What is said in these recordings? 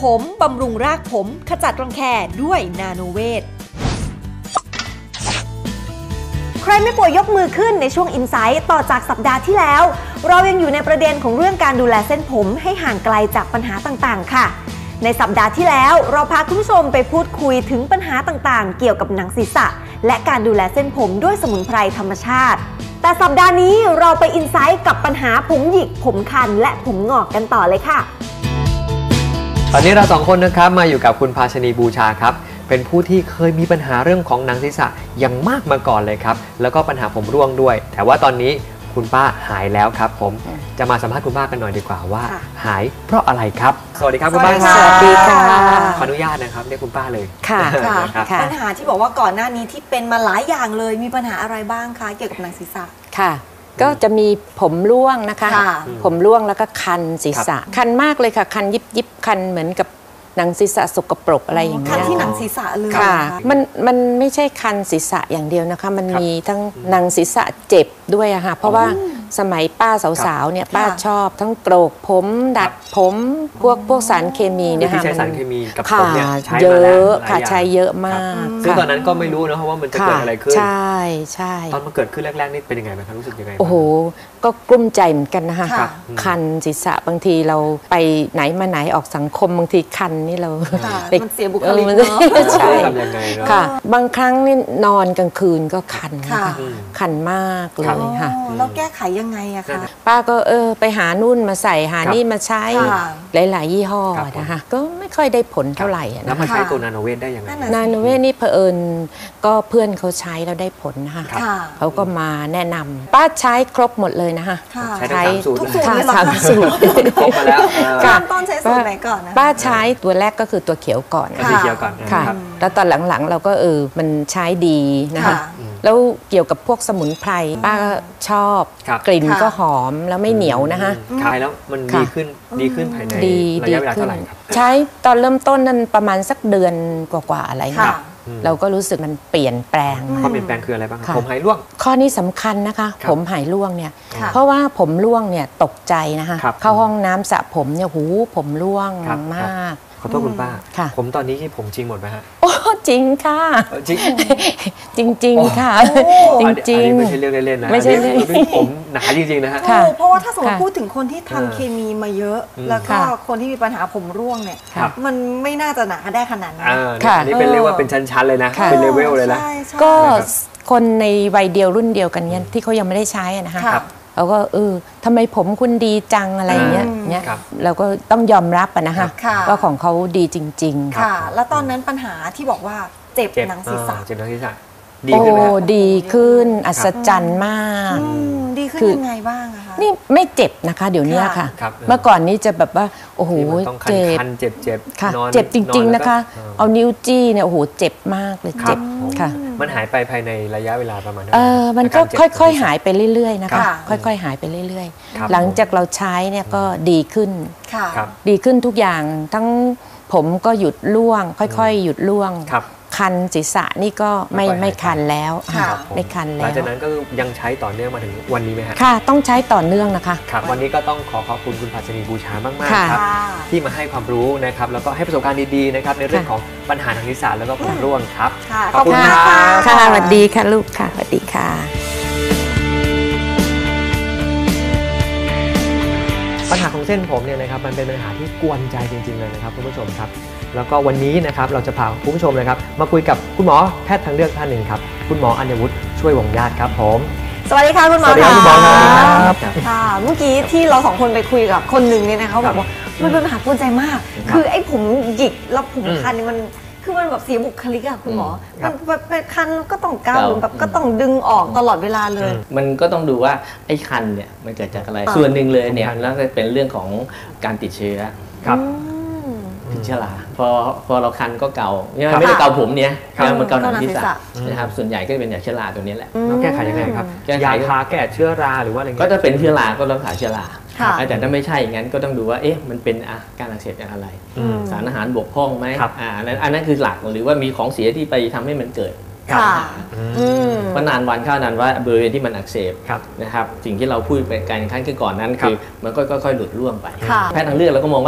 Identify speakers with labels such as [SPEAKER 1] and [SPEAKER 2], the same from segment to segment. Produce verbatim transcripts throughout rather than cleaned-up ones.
[SPEAKER 1] ผมบำรุงรากผมขจัดรังแคด้วยนาโนเวทใครไม่ป่วยยกมือขึ้นในช่วงอินไซต์ต่อจากสัปดาห์ที่แล้วเรายังอยู่ในประเด็นของเรื่องการดูแลเส้นผมให้ห่างไกลจากปัญหาต่างๆค่ะในสัปดาห์ที่แล้วเราพาคุณผู้ชมไปพูดคุยถึงปัญหาต่างๆเกี่ยวกับหนังศีรษะและการดูแลเส้นผมด้วยสมุนไพรธรรมชาติแต่สัปดาห์นี้เราไปอินไซต์กับปัญหาผมหยิกผมคันและผมงอกกันต่อเลยค่ะ
[SPEAKER 2] ตอนนี้เราสองคนนะครับมาอยู่กับคุณภาชนีบูชาครับเป็นผู้ที่เคยมีปัญหาเรื่องของหนังศีรษะอย่างมากมาก่อนเลยครับแล้วก็ปัญหาผมร่วงด้วยแต่ว่าตอนนี้คุณป้าหายแล้วครับผมจะมาสัมภาษณ์คุณป้ากันหน่อยดีกว่าว่าหายเพราะอะไรครับสวัสดีครับคุณป้า
[SPEAKER 1] สวัสดีค่ะ
[SPEAKER 2] ขออนุญาตนะครับเรียกคุณป้าเลย
[SPEAKER 1] ค่ะปัญหาที่บอกว่าก่อนหน้านี้ที่เป็นมาหลายอย่างเลยมีปัญหาอะไรบ้างคะเกี่ยวกับหนังศีรษะ
[SPEAKER 3] ค่ะก็จะมีผมร่วงนะคะผมร่วงแล้วก็คันศีรษะคันมากเลยค่ะคันยิบยิบคันเหมือนกับหนังศีรษะสกปรกอะไรอย่างเงี้ย
[SPEAKER 1] คันที่หนังศีรษะเลย
[SPEAKER 3] ค่ะมันมันไม่ใช่คันศีรษะอย่างเดียวนะคะมันมีทั้งหนังศีรษะเจ็บด้วยอะค่ะเพราะว่าสมัยป้าสาวๆเนี่ยป้าชอบทั้งโกรกผมดัดผมพวกพวกสารเคมีเนี่ยค่ะ
[SPEAKER 2] ใช้สารเคมีกับผมเนี่ยใช้
[SPEAKER 3] เยอะค่ะใช้เยอะมาก
[SPEAKER 2] ซึ่งตอนนั้นก็ไม่รู้นะว่ามันจะเกิดอะไรขึ้น
[SPEAKER 3] ใช่ใช่
[SPEAKER 2] ตอนมันเกิดขึ้นแรกๆนี่เป็นยังไงบ้างครับรู้สึกยังไง
[SPEAKER 3] โอ้โหก็กลุ้มใจเหมือนกันนะคะคันศีรษะบางทีเราไปไหนมาไหนออกสังคมบางทีคันนี่เรา
[SPEAKER 1] มันเสียบุคลิกเนาะ
[SPEAKER 3] ใช่ค่ะบางครั้งนี่นอนกลางคืนก็คันนะคะคันมากเลยค่ะ
[SPEAKER 1] แล้วแก้ไขยังไงอะคะ
[SPEAKER 3] ป้าก็เออไปหานู่นมาใส่หานี่มาใช้หลายๆยี่ห้อนะคะก็ไม่ค่อยได้ผลเท่าไหร่นะ
[SPEAKER 2] แล้วมาใช้ตัวนาโนเวทได้ยังไง
[SPEAKER 3] นาโนเวทนี่เผอิญก็เพื่อนเขาใช้แล้วได้ผลนะคะเขาก็มาแนะนำป้าใช้ครบหมดเลยนะคะ
[SPEAKER 2] ใช้ทุกสูตร
[SPEAKER 1] เลย
[SPEAKER 3] สามสูตร
[SPEAKER 2] ครบมาแล้ว
[SPEAKER 1] ต้นใช้สูตรไหนก่อนนะ
[SPEAKER 3] ป้าใช้ตัวแรกก็คือตัวเขียวก่อน
[SPEAKER 2] สีเขียวก่อน
[SPEAKER 3] ค่ะแล้วตอนหลังๆเราก็เออมันใช้ดีนะคะแล้วเกี่ยวกับพวกสมุนไพรป้าก็ชอบกลิ่นก็หอมแล้วไม่เหนียวนะคะ
[SPEAKER 2] ใช้แล้วมันดีขึ้นดีขึ้นภายในระยะเวลาเท่าไหร่ครับ
[SPEAKER 3] ใช้ตอนเริ่มต้นนั้นประมาณสักเดือนกว่าๆอะไรเงี้ยเราก็รู้สึกมันเปลี่ยนแปลง
[SPEAKER 2] ความเปลี่ยนแปลงคืออะไรบ้างผมหายร่วง
[SPEAKER 3] ข้อนี้สำคัญนะคะผมหายร่วงเนี่ยเพราะว่าผมร่วงเนี่ยตกใจนะคะเข้าห้องน้ำสระผมเนี่ยหูผมร่วงมาก
[SPEAKER 2] ขอโทษคุณป้าผมตอนนี้ที่ผมจริงหมดไหมฮะ
[SPEAKER 3] โอ้จริงค่ะ
[SPEAKER 2] จริง
[SPEAKER 3] จริงจริงค่ะจริงจริง
[SPEAKER 2] ไม่ใช่เรื่องเล่นๆนะ
[SPEAKER 3] ไม่ใช่เรื่อง
[SPEAKER 2] ผมหนาจริงๆนะฮะ
[SPEAKER 1] เพราะว่าถ้าสมมติพูดถึงคนที่ทำเคมีมาเยอะแล้วก็คนที่มีปัญหาผมร่วงเนี่ยมันไม่น่าจะหนาได้ขนาดนั้น
[SPEAKER 2] อันนี้เป็นเรียกว่าเป็นชั้นๆเลยนะเป็นเลเวลเลยนะ
[SPEAKER 3] ก็คนในวัยเดียวรุ่นเดียวกันเนี่ยที่เขายังไม่ได้ใช้นะคะเราก็เออทำไมผมคุณดีจังอะไรเงี้ยเนี้ยเราก็ต้องยอมรับอะนะคะว่าของเขาดีจริง
[SPEAKER 1] ๆค่ะแล้วตอนนั้นปัญหาที่บอกว่าเจ็บหนังศีรษะ
[SPEAKER 2] เจ็บหนังศีรษะ
[SPEAKER 3] ดีขึ้นไหมดีขึ้นอัศจรรย์มาก
[SPEAKER 1] ดีขึ้นยังไงบ้างอะคะ
[SPEAKER 3] นี่ไม่เจ็บนะคะเดี๋ยวนี้ค่ะเมื่อก่อนนี้จะแบบว่าโอ้โห
[SPEAKER 2] เจ็บเจ็บเจ็บ
[SPEAKER 3] ค่ะเจ็บจริงๆนะคะเอานิ้วจี้เนี่ยโอ้โหเจ็บมากเลยเจ็บค่ะ
[SPEAKER 2] มันหายไปภายในระยะเวลาประมาณ
[SPEAKER 3] เออมันก็ค่อยๆหายไปเรื่อยๆนะคะค่อยๆหายไปเรื่อยๆหลังจากเราใช้เนี่ยก็ดีขึ้นดีขึ้นทุกอย่างทั้งผมก็หยุดร่วงค่อยๆหยุดร่วงคันศีรษะนี่ก็ไม่ไม่คันแล้วไม่คันแล้วหลัง
[SPEAKER 2] จากนั้นก็ยังใช้ต่อเนื่องมาถึงวันนี้ไหมฮะ
[SPEAKER 3] ค่ะต้องใช้ต่อเนื่องนะคะ
[SPEAKER 2] ครับวันนี้ก็ต้องขอขอบคุณคุณภาชนีบูชามากๆครับที่มาให้ความรู้นะครับแล้วก็ให้ประสบการณ์ดีๆนะครับในเรื่องของปัญหาทางศีรษะแล้วก็ผมร่วงครับ
[SPEAKER 1] ขอบคุณค่ะ
[SPEAKER 3] ค่ะสวัสดีค่ะลูกค่ะสวัสดีค่ะ
[SPEAKER 2] ปัญหาของเส้นผมเนี่ยนะครับมันเป็นปัญหาที่กวนใจจริงๆเลยนะครับคุณผู้ชมครับแล้วก็วันนี้นะครับเราจะพาคุณผู้ชมนะครับมาคุยกับคุณหมอแพทย์ทางเลือกท่านหนึ่งครับคุณหมออัญวุฒิช่วยวงญาติครับผม
[SPEAKER 1] สวัสดีค่ะคุณหมอ
[SPEAKER 2] สวัสดีครับคุณหมอครับ
[SPEAKER 1] ค่ะเมื่อกี้ที่เราสองคนไปคุยกับคนหนึ่งเนี่ยนะคะบอกว่ามันเป็นปัญหากวนใจมากคือไอ้ผมหยิกแล้วผมคันนี่มันคือมันแบบเสียบุคลิกอะคุณหมอมันเป็นคันก็ต้องเกาแบบก็ต้องดึงออกตลอดเวลาเลย
[SPEAKER 4] มันก็ต้องดูว่าไอ้คันเนี่ยมันเกิดจากอะไรส่วนหนึ่งเลยเนี่ยแล้วจะเป็นเรื่องของการติดเชื้อ
[SPEAKER 2] ครับ
[SPEAKER 4] ติดเชื้อราพอพอเราคันก็เกาไม่ได้เกาผมเนี่ยมันเกาหนังศีรษะนะครับส่วนใหญ่ก็เป็นจากเชื้อราตัวนี้แหละ
[SPEAKER 2] แล้วแก้ไขยังไงครับยาทาแก้เชื้อราหรือว่าอะไร
[SPEAKER 4] ก็จะเป็นเชื้อราก็รักษาเชื้อราแต่ถ้าไม่ใช่อย่างนั้นก็ต้องดูว่าเอ๊ะมันเป็นการอักเสบจากอะไรสารอาหารบกพร่องไหมอันนั้นอันนั้นคือหลักหรือว่ามีของเสียที่ไปทำให้มันเกิดเพราะนานวันเข้านานว่าบริเวณที่มันอักเสบนะครับสิ่งที่เราพูดไปการขั้นคือก่อนนั้นคือมันก็ค่อยๆหลุดร่วงไปแพทย์ทางเลือกเราก็มองว่า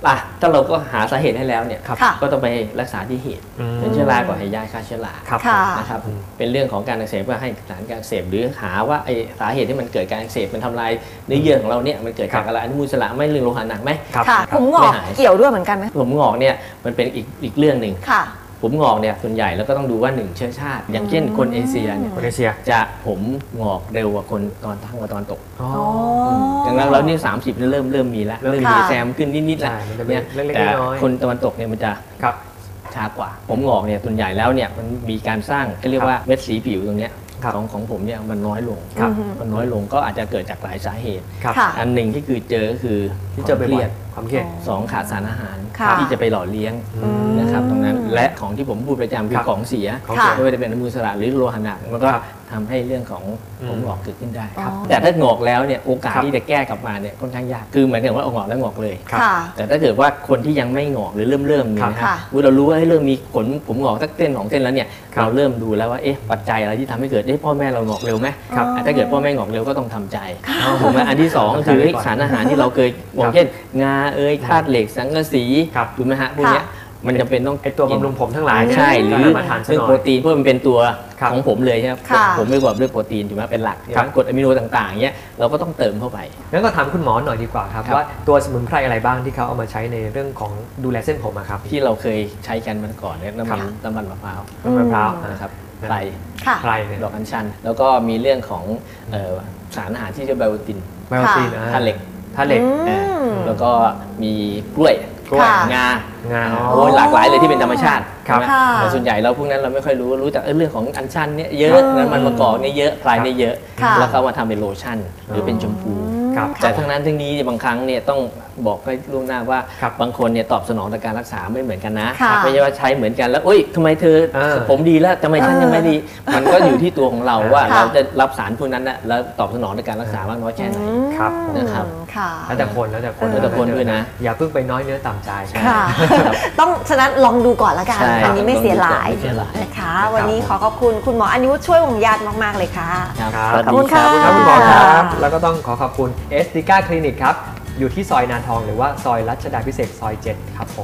[SPEAKER 4] อ่ะถ้าเราก็หาสาเหตุให้แล้วเนี่ย
[SPEAKER 1] ค่ะ
[SPEAKER 4] ก็ต้องไปรักษาที่เหตุ
[SPEAKER 2] อืม
[SPEAKER 4] เป็นเชื้อราก่อนให้ยาฆ่าเชื้อรา
[SPEAKER 2] ครับ
[SPEAKER 1] ค่ะ
[SPEAKER 4] นะครับเป็นเรื่องของการอักเสบก็ให้สารการอักเสบหรือหาว่าไอสาเหตุที่มันเกิดการอักเสบมันทำลายเนื้อเยื่อของเราเนี่ยมันเกิดจากอะไรอนุมูลอิสระไม่เรื่องโลหะหนักไหม
[SPEAKER 2] ครับ
[SPEAKER 1] ค่ะ
[SPEAKER 2] ครับ
[SPEAKER 1] ผมงอกเกี่ยวด้วยเหมือนกันไหม
[SPEAKER 4] ผมงอกเนี่ยมันเป็นอีกอีกเรื่องหนึ่ง
[SPEAKER 1] ค่ะ
[SPEAKER 4] ผมงอกเนี่ยส่วนใหญ่แล้วก็ต้องดูว่าหนึ่งเชื้อชาติ อย่างเช่นคนเอเชียเนี่ย
[SPEAKER 2] คนเอเชีย
[SPEAKER 4] จะผมงอกเร็วกว่าคนตอนทั้งตอนตก
[SPEAKER 2] อ๋อ
[SPEAKER 4] ดังนั้นเรานี่สามสิบเริ่มเริ่มมีแล้ว
[SPEAKER 2] เริ่ม
[SPEAKER 4] เริ่ม
[SPEAKER 1] ค่ะ
[SPEAKER 4] มีแซมขึ้นนิดๆแล้ว
[SPEAKER 2] ใช่มันจะเป็น
[SPEAKER 4] เนี่ย
[SPEAKER 2] เล็กๆ
[SPEAKER 4] แต่
[SPEAKER 2] น้อยๆ
[SPEAKER 4] คนตะวันตกเนี่ยมันจะ
[SPEAKER 2] ครับ
[SPEAKER 4] ช้ากว่า ผมงอกเนี่ยส่วนใหญ่แล้วเนี่ยมันมีการสร้างก็เรียกว่าเม็ดสีผิวตรงเนี้ย
[SPEAKER 2] ครับ
[SPEAKER 4] ของของผมเนี่ยมันน้อยลง
[SPEAKER 2] ครับ
[SPEAKER 4] มันน้อยลงก็อาจจะเกิดจากหลายสาเหตุ
[SPEAKER 2] ครับ
[SPEAKER 1] ค่ะ
[SPEAKER 4] อันหนึ่งที่คือเจอก็คือ
[SPEAKER 2] ที่เจอ
[SPEAKER 4] ความ
[SPEAKER 2] บ่
[SPEAKER 4] เครี
[SPEAKER 2] อย
[SPEAKER 4] ยด
[SPEAKER 2] ๆความเครียด
[SPEAKER 4] สองขาดสารอาหาร
[SPEAKER 1] ค่ะ
[SPEAKER 4] ที่จะไปหล่อเลี้ยง
[SPEAKER 2] อืม
[SPEAKER 4] นะครับตรงนั้นและของที่ผมพูดประจำคื
[SPEAKER 2] ครั
[SPEAKER 4] อบ ของเสีย
[SPEAKER 2] ของเสีย
[SPEAKER 4] ไม่ว่าจะเป็นอนุมูลอิสระหรือโลหะหนักมันก็
[SPEAKER 2] ครับ
[SPEAKER 4] ทำให้เรื่องของผม
[SPEAKER 2] อืม
[SPEAKER 4] งอกเกิดขึ้นได้
[SPEAKER 1] ครับ
[SPEAKER 4] แต่ถ้างอกแล้วเนี่ยโอกาส
[SPEAKER 2] ครับ
[SPEAKER 4] ที่จะแก้กลับมาเนี่ยค่อนข้างยากคือเหมือนกับว่าเอางอกแล้วงอกเลย
[SPEAKER 2] ครับ
[SPEAKER 1] ค่ะ
[SPEAKER 4] แต่ถ้าเกิดว่าคนที่ยังไม่งอกหรือเริ่มเริ่มเนี่ยนะ
[SPEAKER 1] ค่ะ
[SPEAKER 4] ฮะเรารู้ว่าให้เริ่มมีขนผมงอกสักเส้นสองเส้นแล้วเนี่ย
[SPEAKER 2] ครับ
[SPEAKER 4] เราเริ่มดูแล้วว่าเอ๊ะปัจจัยอะไรที่ทำให้เกิดเอ๊ะพ่อแม่เรางอกเร็วไหม
[SPEAKER 2] ครับ
[SPEAKER 4] อ่ะถ้าเกิดพ่อแม่งอกเร็วก็ต้องทำใจถูกไหมอันที่สองก็คือ
[SPEAKER 2] ครับ
[SPEAKER 4] สารอาหารที่เราเคยบอกเช่นงาเอยธาตุเหล็กสังกะสี
[SPEAKER 2] ครับ
[SPEAKER 4] ถูกไหมฮะพวกเนี้ยมันจะเป็นต้อง
[SPEAKER 2] ไอตัวบำรุงผมทั้งหลาย
[SPEAKER 4] ใช่หรือ
[SPEAKER 2] ก็มาทานซะ
[SPEAKER 4] เรื่อง
[SPEAKER 2] หน่
[SPEAKER 4] โป
[SPEAKER 2] อย
[SPEAKER 4] รตีนเพราะมันเป็นตัว
[SPEAKER 2] ครับ
[SPEAKER 4] ของผมเลยใช่ไหม
[SPEAKER 1] ค่ะ
[SPEAKER 4] ผมไม่กว่าด้วยโปรตีนถูกไหมเป็นหลักใช่ไห
[SPEAKER 2] ครั
[SPEAKER 4] ม
[SPEAKER 2] บ
[SPEAKER 4] กรดอะมิโนต่างๆเนี้ยเราก็ต้องเติมเข้าไป
[SPEAKER 2] งั้นก็ถามคุณหมอหน่อยดีกว่าครับ
[SPEAKER 4] ครับ
[SPEAKER 2] ว่าตัวสมุนไพรอะไรบ้างที่เขาเอามาใช้ในเรื่องของดูแลเส้นผมอะครับ
[SPEAKER 4] ที่เราเคยใช้กันมันก่อนเนี่ยน้ำมัน
[SPEAKER 2] ครับ
[SPEAKER 4] น้ำมันมะพร้าว
[SPEAKER 2] น้ำมะพร้าว
[SPEAKER 4] นะครับ
[SPEAKER 2] อืม
[SPEAKER 4] ไพร
[SPEAKER 1] ค่ะ
[SPEAKER 2] ไพรเนี่ย
[SPEAKER 4] ดอกอัญชัน แล้วก็มีเรื่องของเอ่อสารอาหารที่เรียกไบโอติน
[SPEAKER 2] ไบโอตีน
[SPEAKER 4] ธาตุเหล็ก
[SPEAKER 2] ธาตุเหล็ก
[SPEAKER 1] อืม
[SPEAKER 4] เอ่อแล้วก็มีกล้วย
[SPEAKER 2] กล้วย
[SPEAKER 1] ค่ะ
[SPEAKER 4] งา
[SPEAKER 2] งา
[SPEAKER 4] โอ้ยหลากหลายเลยที่เป็นธรรมชาติ
[SPEAKER 2] ครับ
[SPEAKER 4] ใช่ไหม
[SPEAKER 1] ค่ะ
[SPEAKER 4] แต่ส่วนใหญ่เราพวกนั้นเราไม่ค่อยรู้รู้จักเอ้ยเรื่องของอัญชันเนี่ยเยอะ
[SPEAKER 1] เออ
[SPEAKER 4] น้ำมันมะกอกเนี่ยเยอะไพรเนี่ยเยอะ
[SPEAKER 1] ค่ะ
[SPEAKER 4] แล้วก็เอามาทำเป็นโลชั่น หรือเป็นชมพู
[SPEAKER 2] ครับ
[SPEAKER 4] แต่ทั้งนั้นทั้งนี้บางครั้งเนี่ยต้องบอกให้ล่วงหน้าว่า
[SPEAKER 2] ครับ
[SPEAKER 4] บางคนเนี่ยตอบสนองต่อการรักษาไม่เหมือนกันนะ
[SPEAKER 1] ค่ะ
[SPEAKER 4] ไม่ใช่ว่าใช้เหมือนกันแล้วเอ้ยทำไมเธอ
[SPEAKER 2] เออ
[SPEAKER 4] ผมดีแล้วทำไมฉันยังไม่ดี มันก็อยู่ที่ตัวของเราว่า
[SPEAKER 1] ค่ะ
[SPEAKER 4] เราจะรับสารพวกนั้นนะแล้วตอบสนองต่อการรักษามากน้อยแค่ไหน
[SPEAKER 2] ครับ
[SPEAKER 4] นะครับ
[SPEAKER 1] ค่ะ
[SPEAKER 2] แล้วแต่คนแล้วแต่คน
[SPEAKER 4] แล้วแต่คนด้วยนะ
[SPEAKER 2] อย่าเพิ่งไปน้อยเนื้อต่ำใจ
[SPEAKER 1] ค่ะ ต้องฉะนั้นลองดูก่อนละกัน
[SPEAKER 4] ใช่
[SPEAKER 1] อันนี้ไม่เสียหลาย
[SPEAKER 4] ไม่เสียหลาย
[SPEAKER 1] นะคะ วันนี้ขอขอบคุณคุณหมออนิวุฒิช่วยวงญาติมากๆเลยค่ะ
[SPEAKER 4] ครับ
[SPEAKER 2] ครับ
[SPEAKER 4] สวัส
[SPEAKER 1] ขอบ
[SPEAKER 4] ดี
[SPEAKER 1] คุณ
[SPEAKER 4] ครั
[SPEAKER 1] ค่ะ
[SPEAKER 2] ขอบคุณหมอค
[SPEAKER 1] ค่ะ
[SPEAKER 2] รับ แล้วก็ต้องขอขอบคุณเอสติก้าคลินิกครับ อยู่ที่ซอยนานทองหรือว่าซอยรัชดาพิเศษกซอยเจ็ดครับผม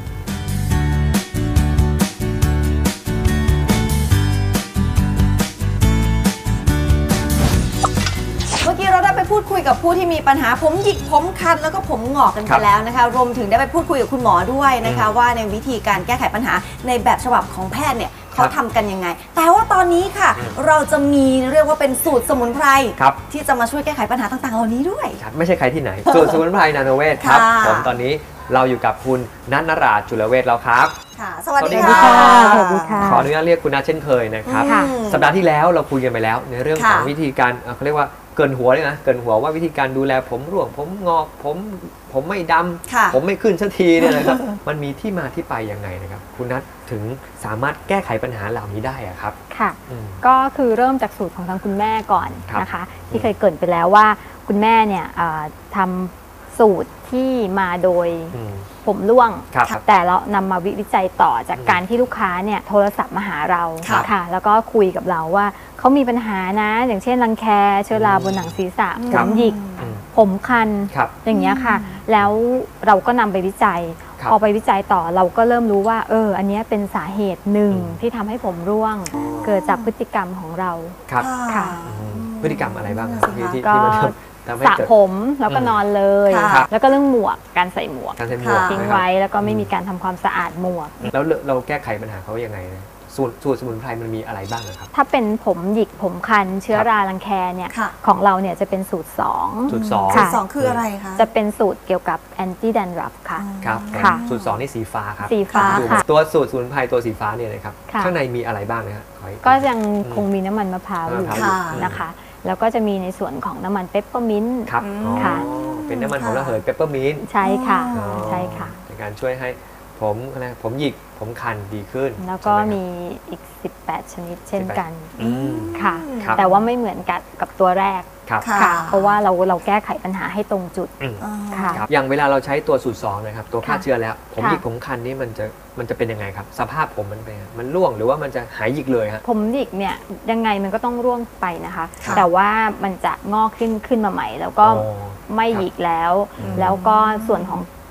[SPEAKER 1] เมื่อกี้เราได้ไปพูดคุยกับผู้ที่มีปัญหาผมหยิกผมคันแล้วก็ผมงอกกัน
[SPEAKER 2] ค
[SPEAKER 1] ไป
[SPEAKER 2] รับ
[SPEAKER 1] แล้วนะคะ รวมถึงได้ไปพูดคุยกับคุณหมอด้วยนะคะ
[SPEAKER 2] อืม
[SPEAKER 1] ว่าในวิธีการแก้ไขปัญหาในแบบฉบับของแพทย์เนี่ยเขา
[SPEAKER 2] ครับ
[SPEAKER 1] ทำกันยังไง แต่ว่าตอนนี้ค่ะ เราจะมีเรียกว่าเป็นสูตรสมุนไพร
[SPEAKER 2] ครับ
[SPEAKER 1] ที่จะมาช่วยแก้ไขปัญหาต่างๆ เหล่านี้ด้วย
[SPEAKER 2] ครับไม่ใช่ใครที่ไหน ส่วนสมุนไพรนาโนเวทครับ
[SPEAKER 1] ค่ะ
[SPEAKER 2] ผมตอนนี้เราอยู่กับคุณนัทนราชจุลเวชแล้วครับ
[SPEAKER 1] ค่ะ สวัสดี
[SPEAKER 2] สวัสดี
[SPEAKER 1] ค่ะ
[SPEAKER 2] ค่ะ
[SPEAKER 3] สวัสดีค่ะ
[SPEAKER 2] ขออนุญาตเรียกคุณนัทเช่นเคยนะครับ
[SPEAKER 1] ค่ะ
[SPEAKER 2] สัปดาห์ที่แล้วเราคุยกันไปแล้ว ในเรื่องของ
[SPEAKER 1] ค่ะ
[SPEAKER 2] วิธีการเอ่อเขาเรียกว่าเกินหัวเลยนะเกินหัวว่าวิธีการดูแลผมร่วงผมงอกผมผมไม่ด
[SPEAKER 1] ค่ะ
[SPEAKER 2] ำผมไม่ขึ้นสักทีเนี่ยนะครับ มันมีที่มาที่ไปยังไงนะครับ คุณนัทถึงสามารถแก้ไขปัญหาเหล่านี้ได้อะครับ
[SPEAKER 5] ค่ะ
[SPEAKER 2] อืม
[SPEAKER 5] ก็คือเริ่มจากสูตรของทางคุณแม่ก่อน
[SPEAKER 2] ครับ
[SPEAKER 5] นะคะ ที่เคยเกริดไปแล้วว่าคุณแม่เนี่ยเอ่อทำสูตรที่มาโดย
[SPEAKER 2] อืม
[SPEAKER 5] ผมร่วง
[SPEAKER 2] ครับ
[SPEAKER 5] แต่เรานำมาวิจัยต่อจาก
[SPEAKER 2] อืม
[SPEAKER 5] การที่ลูกค้าเนี่ยโทรศัพท์มาหาเรา
[SPEAKER 2] ครับ
[SPEAKER 5] ค่ะ แล้วก็คุยกับเราว่าเขามีปัญหานะ อย่างเช่นรังแคเชื้อราบนหนังศีรษะผ
[SPEAKER 2] ครับ
[SPEAKER 5] มหยิก
[SPEAKER 2] อืม
[SPEAKER 5] ผมคัน
[SPEAKER 2] ครับ
[SPEAKER 5] อย่างเงี้ยค่ะ แล้วเราก็นำไปวิจัย
[SPEAKER 2] ครับ
[SPEAKER 5] พอไปวิจัยต่อเราก็เริ่มรู้ว่า เออ อันเนี้ยเป็นสาเหตุหนึ่ง
[SPEAKER 2] อืม
[SPEAKER 5] ที่ทำให้ผมร่วง เกิดจากพฤติกรรมของเรา
[SPEAKER 2] ครับ
[SPEAKER 5] ค่ะ
[SPEAKER 2] อืมพฤติกรรมอะไรบ้างครับที่ที่
[SPEAKER 5] ก็
[SPEAKER 2] ที่มันทำทำให้
[SPEAKER 5] สระ
[SPEAKER 2] เกิด
[SPEAKER 5] ผมแล้วก็นอนเลย
[SPEAKER 1] ค่ะ
[SPEAKER 5] แล้วก็เรื่องหมวกการใส่หมวก
[SPEAKER 2] การใช้หมวก
[SPEAKER 1] ค่ะ
[SPEAKER 5] ทิ้ง
[SPEAKER 2] นะครับ
[SPEAKER 5] ไว้แล้วก็ไม่มีการทำความสะอาดหมวก
[SPEAKER 2] แล้วเราเราแก้ไขปัญหาเขายังไงนะสูตรสูตรสมุนไพรมันมีอะไรบ้างนะครับ
[SPEAKER 5] ถ้าเป็นผมหยิกผมคัน เชื้อรารังแคเนี่ย
[SPEAKER 1] ค่ะ
[SPEAKER 5] ของเราเนี่ยจะเป็นสูตรสอง
[SPEAKER 2] สูตรสอง
[SPEAKER 1] สูตรสองคืออะไรคะ
[SPEAKER 5] จะเป็นสูตรเกี่ยวกับ anti dandruff ค่ะ
[SPEAKER 2] ครับ
[SPEAKER 5] ค่ะ
[SPEAKER 2] สูตรสองนี่สีฟ้าครับ
[SPEAKER 5] สีฟ้า
[SPEAKER 2] ดู
[SPEAKER 5] ค่ะ
[SPEAKER 2] ตัวสูตรสมุนไพรตัวสีฟ้าเนี่ยนะครับ
[SPEAKER 5] ค่ะ
[SPEAKER 2] ข้างในมีอะไรบ้างนะครับขออี
[SPEAKER 5] ก็ยังคงมีน้ำมันมะพร้าวอยู่
[SPEAKER 2] มะพร้าวอยู่
[SPEAKER 5] นะคะ แล้วก็จะมีในส่วนของน้ำมันเปปเปอร์มินต์
[SPEAKER 2] ครับ
[SPEAKER 1] อืม
[SPEAKER 2] อ๋อ
[SPEAKER 5] ค่ะ
[SPEAKER 2] เป็นน้ำมันของระเหยเปปเปอร์มินต์
[SPEAKER 5] ใช่ค่ะ
[SPEAKER 1] อ๋อ
[SPEAKER 5] ใช่ค่ะ
[SPEAKER 2] ในการช่วยให้ผมอะไรผมหยิกผมคันดีขึ้น
[SPEAKER 5] แล้วก็
[SPEAKER 2] ใช่ไห
[SPEAKER 5] มีอีก สิบแปด ชนิดเช่นกัน
[SPEAKER 2] อืม
[SPEAKER 5] ค่ะ
[SPEAKER 2] ครับ
[SPEAKER 5] แต่ว่าไม่เหมือนกับกับตัวแรก
[SPEAKER 2] ครับ
[SPEAKER 1] ค่ะ
[SPEAKER 5] ค่ะ เพราะว่าเราเราแก้ไขปัญหาให้ตรงจุด
[SPEAKER 2] อืม
[SPEAKER 1] อ๋อ
[SPEAKER 5] ค่ะ
[SPEAKER 2] ครับอย่างเวลาเราใช้ตัวสูตรสองนะครับตัวฆ่า
[SPEAKER 5] ค่ะ
[SPEAKER 2] เชื้อแล้ว ผม
[SPEAKER 5] ค่ะ
[SPEAKER 2] หยิกผมคันนี่มันจะมันจะเป็นยังไงครับ สภาพผมมันเป็นยังไงมันร่วงหรือว่ามันจะหายหยิกเลยฮะ
[SPEAKER 5] ผมหยิกเนี่ยยังไงมันก็ต้องร่วงไปนะคะ
[SPEAKER 1] ค่ะ
[SPEAKER 5] แต่ว่ามันจะงอกขึ้นขึ้นมาใหม่ แล้วก็
[SPEAKER 2] อ๋อ
[SPEAKER 5] ไม่หยิกแล้ว
[SPEAKER 2] อืม
[SPEAKER 5] แล้วก็ส่วนของ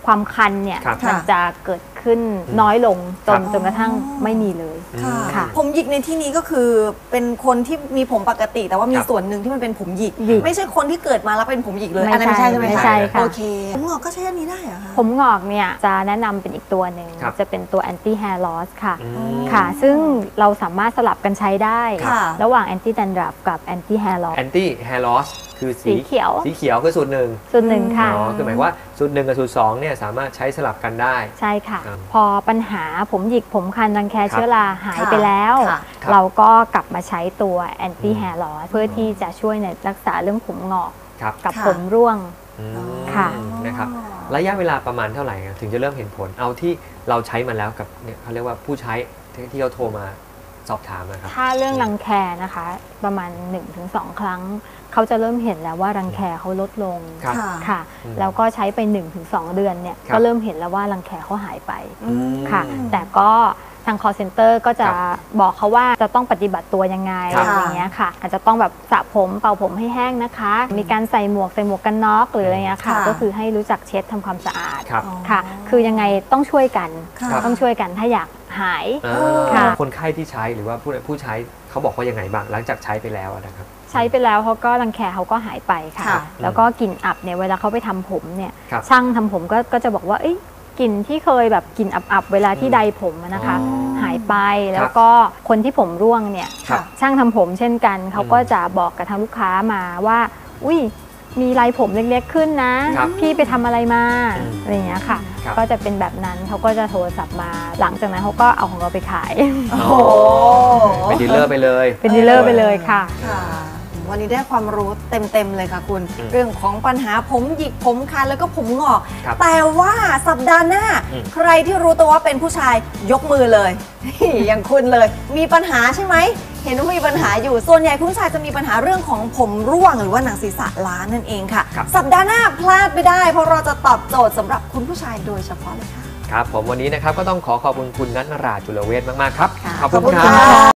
[SPEAKER 5] ความคันเนี่ย
[SPEAKER 2] ครับ
[SPEAKER 5] มันจะเกิดขึ้นน้อยลงจนจนกระทั่งไม่มีเลย
[SPEAKER 1] ค่ะ
[SPEAKER 5] ค่ะ
[SPEAKER 1] ผมหยิกในที่นี้ก็คือเป็นคนที่มีผมปกติ แต่ว่ามี
[SPEAKER 2] ครับ
[SPEAKER 1] ส่วนหนึ่งที่มันเป็นผมหยิก
[SPEAKER 5] หยิก
[SPEAKER 1] ไม่ใช่คนที่เกิดมาแล้วเป็นผมหยิกเลย
[SPEAKER 5] ไม่
[SPEAKER 1] อันนั้นไม่ใช่ใช่ไหม
[SPEAKER 5] ไม่
[SPEAKER 1] คะ
[SPEAKER 5] ใช่ค่ะ
[SPEAKER 1] โอเคผมงอกก็ใช้อันนี้ได้เหรอคะ
[SPEAKER 5] ผมงอกเนี่ยจะแนะนำเป็นอีกตัวหนึ่ง
[SPEAKER 2] ครับ
[SPEAKER 5] จะเป็นตัว anti hair loss ค่ะ
[SPEAKER 2] อืม
[SPEAKER 5] ค่ะ ซึ่งเราสามารถสลับกันใช้ได้
[SPEAKER 1] ค่ะ
[SPEAKER 5] ระหว่าง anti dandruff กับ anti hair loss
[SPEAKER 2] anti hair loss คือ
[SPEAKER 5] สีเขียว
[SPEAKER 2] สีเขียวคือสูตรหนึ่ง
[SPEAKER 5] ส่วนหนึ่งค่ะ
[SPEAKER 2] อ๋อคือหมายว่าสูตรหนึ่งกับสูตรสองเนี่ยสามารถใช้สลับกันได้
[SPEAKER 5] ใช่ค่ะ
[SPEAKER 2] ครับ
[SPEAKER 5] พอปัญหาผมหยิกผมคันรังแคเชื้อราหาย
[SPEAKER 1] ค่ะ
[SPEAKER 5] ไปแล้ว
[SPEAKER 1] ค่ะ
[SPEAKER 2] ครับ
[SPEAKER 5] เราก็กลับมาใช้ตัว anti hair loss เพื่อที่จะช่วยในรักษาเรื่องผมงอก
[SPEAKER 2] ครับ
[SPEAKER 5] กับ
[SPEAKER 1] ค่ะ
[SPEAKER 5] ผมร่วง
[SPEAKER 2] อืม
[SPEAKER 5] ค่ะ
[SPEAKER 2] นะครับระยะเวลาประมาณเท่าไหร่ครับถึงจะเริ่มเห็นผลเอาที่เราใช้มาแล้วกับเนี่ยเขาเรียกว่าผู้ใช้ที่ที่เขาโทรมาสอบถามนะครับ
[SPEAKER 5] ถ้าเรื่องรังแคนะคะ ประมาณ หนึ่งถึงสอง ครั้ง เขาจะเริ่มเห็นแล้วว่ารังแคเขาลดลง
[SPEAKER 2] ครับ
[SPEAKER 1] ค่ะ
[SPEAKER 5] ค่ะ
[SPEAKER 2] อืม
[SPEAKER 5] แล้วก็ใช้ไป หนึ่งถึงสอง เดือนเนี่ย
[SPEAKER 2] ครับ
[SPEAKER 5] ก็เริ่มเห็นแล้วว่ารังแคเขาหายไป
[SPEAKER 1] อืม
[SPEAKER 5] ค่ะ แต่ก็ทาง call center ก็จะ
[SPEAKER 2] ครับ
[SPEAKER 5] บอกเขาว่าจะต้องปฏิบัติตัวยังไง
[SPEAKER 2] ครับ
[SPEAKER 5] อย่างเงี้ยค่ะ อาจจะต้องแบบสระผมเป่าผมให้แห้งนะคะ มีการใส่หมวกใส่หมวกกันน็อกหรืออะไรเงี้ยค่ะ
[SPEAKER 1] ค่ะ
[SPEAKER 5] ก็คือให้รู้จักเช็ดทำความสะอาด
[SPEAKER 2] ครับ
[SPEAKER 5] ค่ะ คือยังไงต้องช่วยกัน
[SPEAKER 1] ค่ะ
[SPEAKER 5] ต้องช่วยกันถ้าอยากหาย
[SPEAKER 2] อ่า
[SPEAKER 5] ค่ะ
[SPEAKER 2] คนไข้ที่ใช้หรือว่าผู้ผู้ใช้เขาบอกว่ายังไงบ้างหลังจากใช้ไปแล้วนะครับ
[SPEAKER 5] ใช้ไปแล้วเขาก็รังแคเขาก็หายไปค่ะ
[SPEAKER 1] ค่ะ
[SPEAKER 5] แล้วก็กลิ่นอับเนี่ยเวลาเขาไปทำผมเนี่ย
[SPEAKER 2] ครับ
[SPEAKER 5] ช่างทำผมก็ก็จะบอกว่าเอ้ยกลิ่นที่เคยแบบกลิ่นอับๆเวลาที่ใดผมอะนะคะ
[SPEAKER 2] อ๋อ
[SPEAKER 5] หายไปแล้วก็คนที่ผมร่วงเนี่ย
[SPEAKER 2] ครับ
[SPEAKER 5] ช่างทำผมเช่นกันเขาก็จะบอกกับทางลูกค้ามาว่า อุ้ยมีลายผมเล็กๆขึ้นนะ
[SPEAKER 2] ครับ
[SPEAKER 5] พี่ไปทำอะไรมา
[SPEAKER 2] อืม
[SPEAKER 5] อะไรอย่างเงี้ยค่ะ
[SPEAKER 2] ครับ
[SPEAKER 5] ก็จะเป็นแบบนั้นเขาก็จะโทรศัพท์มา หลังจากนั้นเขาก็เอาของเราไปขาย
[SPEAKER 1] โอ้โห
[SPEAKER 2] เป็นดีลเลอร์ไปเลย
[SPEAKER 5] เป็นดีลเลอร์ไปเลยค่ะ
[SPEAKER 1] ค่ะ วันนี้ได้ความรู้เต็มๆเลยค่ะคุณ
[SPEAKER 2] อืม
[SPEAKER 1] เรื่องของปัญหาผมหยิกผมคันแล้วก็ผมงอก
[SPEAKER 2] ครับ
[SPEAKER 1] แต่ว่าสัปดาห์หน้า
[SPEAKER 2] อืม
[SPEAKER 1] ใครที่รู้ตัวว่าเป็นผู้ชายยกมือเลย อย่างคุณเลย มีปัญหาใช่ไหม เห็นว่ามีปัญหาอยู่ส่วนใหญ่คุณผู้ชายจะมีปัญหาเรื่องของผมร่วงหรือว่าหนังศีรษะล้านนั่นเองค่ะ
[SPEAKER 2] ครับ
[SPEAKER 1] สัปดาห์หน้าพลาดไม่ได้ เพราะเราจะตอบโจทย์สำหรับคุณผู้ชายโดยเฉพาะเลยค่ะ
[SPEAKER 2] ครับผมวันนี้นะครับก็ต้องขอขอบคุณคุณนัทนราจุลเวชมากๆครับ
[SPEAKER 1] ค่ะ
[SPEAKER 2] ขอบคุณ
[SPEAKER 1] ขอบคุณ
[SPEAKER 2] ครั
[SPEAKER 1] ค่ะ
[SPEAKER 2] บ